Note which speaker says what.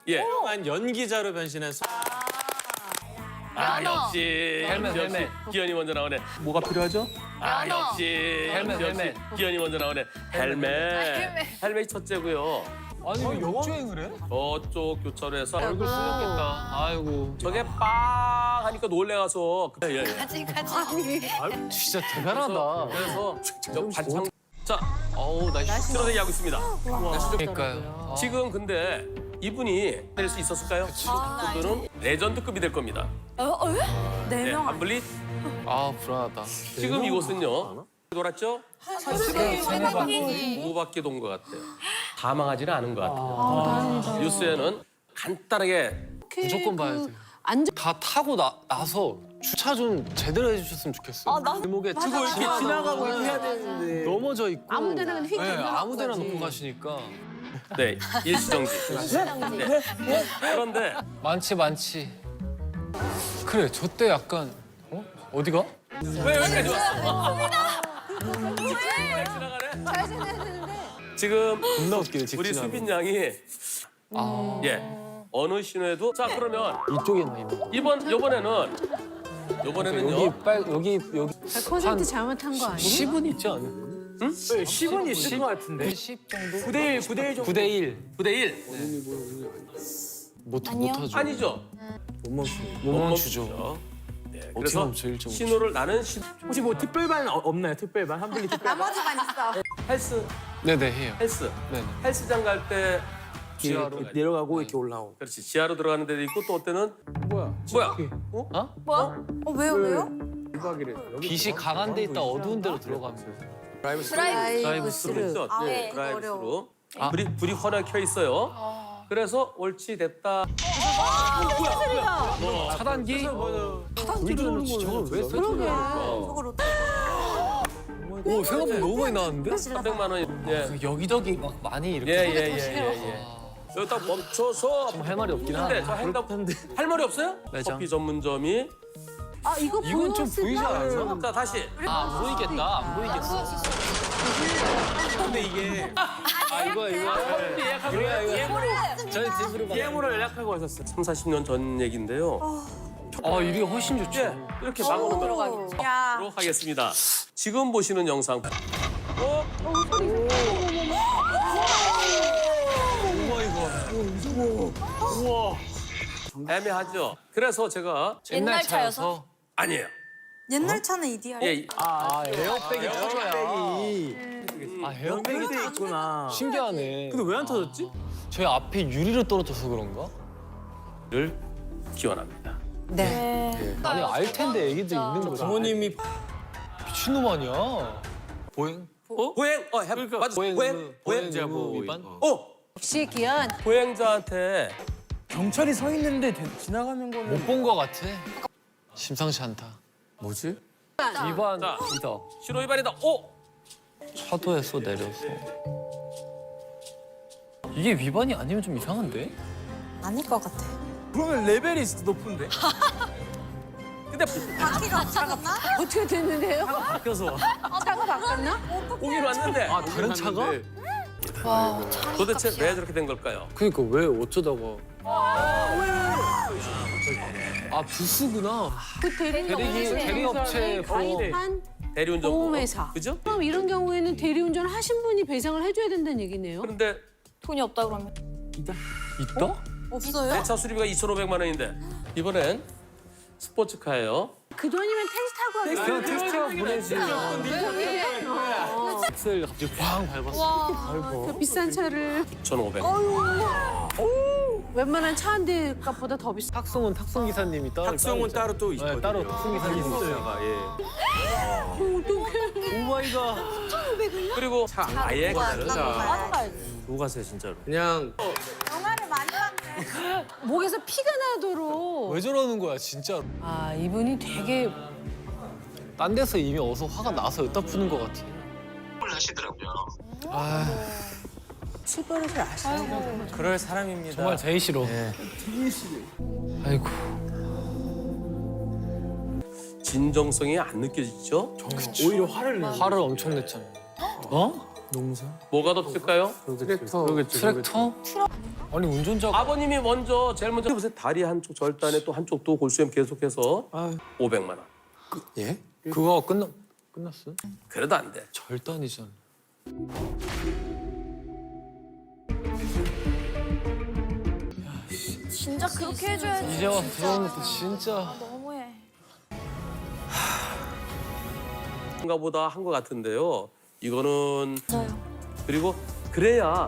Speaker 1: 예.
Speaker 2: 한 연기자로 변신해서
Speaker 1: 역시
Speaker 3: 헬멧.
Speaker 1: 기현이 먼저 나오네.
Speaker 2: 뭐가 필요하죠?
Speaker 1: 역시
Speaker 3: 헬멧.
Speaker 1: 기현이 먼저 나오네. 헬멧이 첫째고요.
Speaker 3: 아니 왜 역주행을 해?
Speaker 1: 저쪽 교차로에서
Speaker 3: 얼굴 쓰였겠다. 아이고.
Speaker 1: 저게 빵 하니까 놀래가서
Speaker 4: 같이.
Speaker 3: 진짜 대단하다.
Speaker 1: 그래서 저 반창 자 날씨 틀어서 얘기하고 있습니다.
Speaker 3: 그러니까요.
Speaker 1: 지금 근데 이분이 될 수 있었을까요? 그분은 레전드급이 될 겁니다. 네, 한블리.
Speaker 3: 불안하다.
Speaker 1: 지금 이곳은요. 돌았죠? 두 바퀴 돈 것 같아요. 다 망하지는 않은 것 같아요. 뉴스에는 간단하게
Speaker 3: 무조건 봐야 돼요. 다 타고 나서 주차 좀 제대로 해주셨으면 좋겠어요. 골목에
Speaker 2: 이렇게 지나가고 이렇게 해야 되는데
Speaker 3: 넘어져 있고
Speaker 4: 아무데나 휙
Speaker 3: 아무데나 놓고 가시니까
Speaker 1: 네, 일시정지. 네. 그런데
Speaker 3: 많지. 그래 저 때 약간 어디가?
Speaker 1: 왜 여기까지 왔어? 왜 지나가네?
Speaker 4: 잘 지내야 되는데.
Speaker 1: 지금
Speaker 2: 겁나 웃기네.
Speaker 1: 우리 수빈 양이 어느 신호에도 자 그러면
Speaker 3: 이쪽에나 있는.
Speaker 1: 요번에는요.
Speaker 3: 여기
Speaker 4: 100% 잘못한 거 아니야?
Speaker 3: 10은 있지 않아요?
Speaker 2: 10은 있을 것 같은데.
Speaker 3: 10 정도?
Speaker 2: 9대1 정도.
Speaker 3: 9대 1.
Speaker 1: 9대 1.
Speaker 3: 못하죠.
Speaker 1: 아니죠.
Speaker 3: 못 멈추죠.
Speaker 1: 네,
Speaker 3: 어떻게
Speaker 1: 그래서
Speaker 3: 멈춰 1.5.
Speaker 1: 신호를 나는
Speaker 2: 혹시 뭐 특별반 없나요? 특별반? 한블리 특별반?
Speaker 4: 나머지만 있어.
Speaker 3: 네네 해요.
Speaker 1: 헬스.
Speaker 3: 네네.
Speaker 1: 헬스장 갈 때
Speaker 2: 지하로 내려가고 이렇게 올라오고.
Speaker 1: 그렇지. 지하로 들어가는 데도 있고 또 어때는
Speaker 2: 뭐야?
Speaker 1: 뭐야?
Speaker 4: 왜요?
Speaker 3: 빛이 강한 데 있다 어두운 데로 들어가면
Speaker 4: 드라이브
Speaker 1: 스루 있죠?
Speaker 4: 아,
Speaker 1: 네,
Speaker 4: 이거
Speaker 1: 드라이브
Speaker 4: 어려워.
Speaker 1: 스루. 불이 환하게 켜 있어요. 그래서 옳지 됐다.
Speaker 3: 차단기?
Speaker 2: 차단기로는 저걸 왜 써?
Speaker 4: 저걸
Speaker 3: 오 생각보다 너무 많이 나왔는데?
Speaker 1: 300만 원. 예.
Speaker 3: 여기저기 막 많이 이렇게
Speaker 1: 예. 여기 딱 멈춰서
Speaker 3: 할 말이 없긴 하네.
Speaker 1: 근데 저 횡단 할 말이 없어요?
Speaker 3: 매장.
Speaker 1: 커피 전문점이
Speaker 4: 이거
Speaker 3: 이건 좀 보이지 않아요?
Speaker 1: 자 다시
Speaker 3: 안 보이겠다. 안 보이겠어.
Speaker 2: 근데 이게
Speaker 3: 이거. 저희 집으로 가.
Speaker 2: DM으로 연락하고 왔었어.
Speaker 1: 3, 40년 전 얘기인데요.
Speaker 3: 이게 훨씬 좋죠.
Speaker 1: 예, 이렇게 막아놓으면
Speaker 4: 야.
Speaker 1: 하도록 하겠습니다. 지금 보시는 영상.
Speaker 2: 우와.
Speaker 1: 애매하죠. 그래서 제가
Speaker 4: 옛날 차여서?
Speaker 1: 아니에요.
Speaker 4: 옛날 차는 EDR.
Speaker 1: 예,
Speaker 3: 에어백이 터져야.
Speaker 2: 에어백이 돼 있구나.
Speaker 3: 신기하네.
Speaker 2: 근데 왜 안 터졌지?
Speaker 3: 저희 앞에 유리로 떨어져서 그런가?
Speaker 1: 를 기원합니다.
Speaker 4: 네.
Speaker 3: 아니 알 텐데 애기들 있는 거죠.
Speaker 2: 부모님이
Speaker 3: 미친놈 아니야. 보행?
Speaker 1: 보행, 맞아. 보행.
Speaker 3: 보행자부 위반?
Speaker 4: 역시 기현.
Speaker 1: 보행자한테
Speaker 2: 경찰이 서 있는데 지나가는 거는
Speaker 3: 못 본 거 같아. 심상치 않다.
Speaker 2: 뭐지?
Speaker 3: 위반
Speaker 1: 자.
Speaker 3: 이다.
Speaker 1: 신호 위반이다.
Speaker 3: 차도에서 내려서. 이게 위반이 아니면 좀 이상한데?
Speaker 4: 아닐 것 같아.
Speaker 2: 그러면 레벨이 높은데?
Speaker 1: 근데
Speaker 4: 바퀴가 차갔나? 어떻게 됐는데요?
Speaker 2: 바뀌어서.
Speaker 4: 차가 바꿨나?
Speaker 1: 보기로 왔는데
Speaker 3: 다른 차가?
Speaker 1: 도대체 왜 저렇게 된 걸까요?
Speaker 3: 그러니까 왜 어쩌다가? 부스구나.
Speaker 4: 그
Speaker 3: 대리업체 보험.
Speaker 4: 가입한
Speaker 1: 대리운전
Speaker 4: 보험회사.
Speaker 1: 그죠?
Speaker 4: 그럼 이런 경우에는 대리운전 하신 분이 배상을 해줘야 된다는 얘기네요.
Speaker 1: 그런데
Speaker 4: 돈이 없다 그러면?
Speaker 3: 있다?
Speaker 4: 없어요?
Speaker 1: 내 차 수리비가 2,500만 원인데 이번엔 스포츠카예요.
Speaker 4: 그 돈이면 택시 타고 하겠다.
Speaker 3: 그냥 테스트하고 보내지. 엑셀 갑자기 팡 밟았어.
Speaker 4: 그 비싼 차를
Speaker 1: 9,500.
Speaker 4: 웬만한 차 한 대 값보다 더 비싸.
Speaker 3: 탁송은 탁송 기사님이 따로
Speaker 2: 탁송은 따로 또 있거든요.
Speaker 3: 네, 따로 탁송 기사님이 있어요.
Speaker 2: 오 마이 갓.
Speaker 1: 그리고 차 아예 다르다.
Speaker 2: 누구 가세요 진짜로?
Speaker 3: 그냥
Speaker 4: 영화를 많이 봤네. 목에서 피가 나도록.
Speaker 3: 왜 저러는 거야 진짜로.
Speaker 4: 이분이 되게
Speaker 3: 딴 데서 이미 어서 화가 나서 여기다 푸는 것 같아.
Speaker 5: 하시더라고요.
Speaker 4: 출발을 아시는
Speaker 2: 그럴 사람입니다.
Speaker 3: 정말 제일 싫어. 아이고.
Speaker 1: 진정성이 안 느껴지죠?
Speaker 2: 오히려 화를 내.
Speaker 3: 화를 엄청 냈잖아.
Speaker 2: 농사?
Speaker 1: 뭐가 더 클까요?
Speaker 3: 트랙터? 아니 운전자가
Speaker 1: 아버님이 먼저 제일 먼저 보세요. 다리 한쪽 절단에 또 한쪽도 골수염 계속해서 500만 원.
Speaker 3: 예? 그거 끝났어?
Speaker 1: 그래도 안 돼.
Speaker 3: 절단이잖아.
Speaker 5: 진짜 그렇게 해줘야지.
Speaker 3: 이제 와서 들어오는 것도 진짜.
Speaker 5: 너무해.
Speaker 1: 인가 보다 한 것 같은데요. 이거는
Speaker 5: 맞아요.
Speaker 1: 그리고 그래야